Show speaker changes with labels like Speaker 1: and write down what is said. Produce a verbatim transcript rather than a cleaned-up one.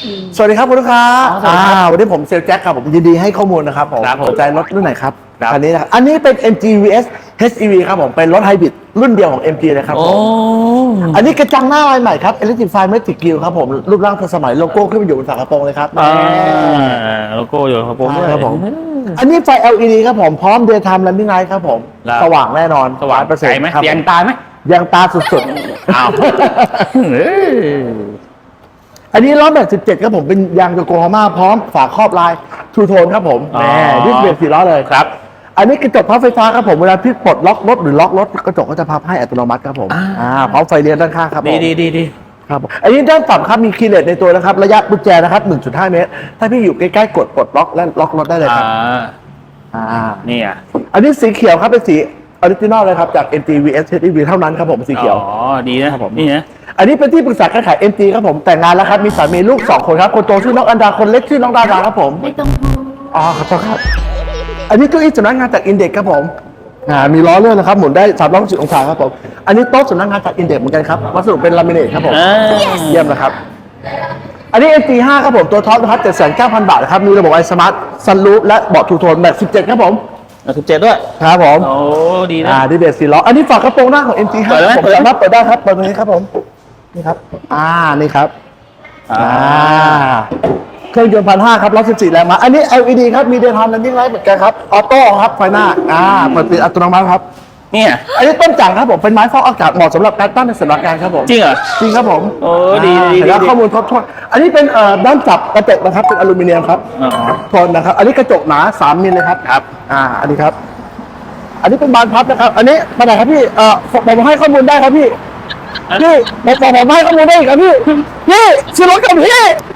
Speaker 1: สวัสดีครับคุณลูกค้า
Speaker 2: อ๋อสวัสดีครับ
Speaker 1: อ่าวันนี้ผมเซลล์แจ็คครับผมยินดีให้ข้อมูลนะครับผม
Speaker 2: ครับผม
Speaker 1: สนใจรถรุ่นไหนครับ
Speaker 2: ครับ
Speaker 1: คันนี้นะครับอันนี้เป็น เอ็ม จี วี เอส เอช อี วี ครับผมเป็นรถไฮบริดรุ่นเดียวของ เอ็ม จี เลยครับ
Speaker 2: โอ้
Speaker 1: ผมอันนี้กระจังหน้าลายใหม่ครับ Electrify Matic Grille ครับผมรูปร่างทันสมัยโลโก้ขึ้นมาอยู่บนฝากระโปรงเลยครับ
Speaker 2: อ่าโลโก้อยู่ครับผม
Speaker 1: ใช่ครับผม อันนี้ไฟ แอล อี ดี ครับผมพร้อม Daytime Running Light ครับผม
Speaker 2: ครับ
Speaker 1: สว่างแน่นอน
Speaker 2: สว่าง
Speaker 1: ร้อยเปอร์เซ็น
Speaker 2: ไกล
Speaker 1: ต์
Speaker 2: ไหม
Speaker 1: ครับ
Speaker 2: เสียงตายไหม
Speaker 1: ยังตาสุดๆ
Speaker 2: อ้าวเอ้ย
Speaker 1: อันนี้ล้อแม็กสิบเจ็ดครับผมเป็นยางโยโกฮาม่าพร้อมฝาครอบลายทูโทนครับผมแหมดิสเบรกสี่ล้อเลย
Speaker 2: ครับ
Speaker 1: อันนี้กระจกพับไฟฟ้าครับผมเวลาพี่ปลดล็อกรถหรือล็อกรถกระจกก็จะพับให้อัตโนมัติครับผม
Speaker 2: อ่า
Speaker 1: อ่าพร้อมไฟเลี้ยวด้านข้างครับผม
Speaker 2: ดีดีดีดี
Speaker 1: ครับผมอันนี้ด้านต่ำครับมีคีย์เลสในตัวนะครับระยะกุญแจนะครับ หนึ่งจุดห้า เมตร ถ้าพี่อยู่ใกล้ๆกดปลดล็อกและล็อกรถได้เลยค
Speaker 2: อ่า
Speaker 1: รับอ่า
Speaker 2: นี่อ่ะ
Speaker 1: อันนี้สีเขียวครับเป็นสีออริจินอลเลยครับจาก เอ็ม จี วี เอส เอช อี วี เท่านั้นครับผมสีเขียว
Speaker 2: อ๋อดีนะครับ
Speaker 1: ผม
Speaker 2: นี่นะ
Speaker 1: อันนี้เป็นที่ปรึกษาการขาย เอ็ม จี ครับผมแต่งงานแล้วครับมีสามีลูกสองคนครับคนโตชื่อน้องอันดาคนเล็กชื่อน้องดาดาครับผม
Speaker 3: ไม่ต้องพูด
Speaker 1: อ๋อขอโทษครับ อันนี้เก้าอี้สำนักงานจากอินเด็กครับผม อ่า มีล้อเลื่อนนะครับ หมุนได้สามร้อยหกสิบองศาครับผม อันนี้โต๊ะสำนักงานจากอินเด็กเหมือนกันครับ วัสดุเป็นลามิเนตครับผม
Speaker 2: อ่า
Speaker 1: เยี่ยมนะครับ อันนี้ เอ็ม จี ห้า ครับผม ตัวท็อปนะครับ เจ็ดแสนเก้าพัน บาทนะครับ มีระบบไอสมาร์ทซันรูฟและเบาะทูโทนแบบสิบเจ็ดครับผม
Speaker 2: สิบเจ็ดด้วย
Speaker 1: ครับผม
Speaker 2: โอ้ดีนะ
Speaker 1: อ่าดีเบสสี่ล้อ อันนี้ฝากระโปรงหน้าของ เอ็ม จี ห้า
Speaker 2: เปิดได้ไหม
Speaker 1: ผมสามารถเปิดได้ครับ เปิดตรงนี้ครับผม นี่ครับ อ่า นี่ครับ
Speaker 2: อ่า
Speaker 1: อ่า เครื่องยนต์พันห้าครับร้อยสิบสี่แรงม้าอันนี้ แอล อี ดี ครับมีเดย์ไทม์ Running Light เหมือนกันครับออโต้ครับไฟหน้าอ่าเปิดปิดอัตโนมัติครับ
Speaker 2: เนี่ย
Speaker 1: อันนี้ต้นจังครับผมเป็นไม้ฟอกอากาศเหมาะสำหรับการตั้งในสำนักงานครับผม
Speaker 2: จริงเหรอ
Speaker 1: จริงครับผม
Speaker 2: โอ้ดีดี
Speaker 1: อ่าเห็นแล้ว
Speaker 2: ดี
Speaker 1: ข้อมูลครบถ้วนอันนี้เป็นเอ่อด้านจับกระจกนะครับเป็นอลูมิเนียมครับ
Speaker 2: อ๋อ
Speaker 1: ทนนะครับ อันนี้กระจกหนาสามมิลเลยครับ
Speaker 2: ครับ
Speaker 1: อ่าอันนี้ครับ อันนี้เป็นบานพับนะครับ อันนี้มาไหนครับพี่เอ่อผมผมให้ข้อมูลได้ครับพี่พี่ผมผมผมให้ข้อมูลได้อีกครับพี่พี่ซื้อรถกับพี่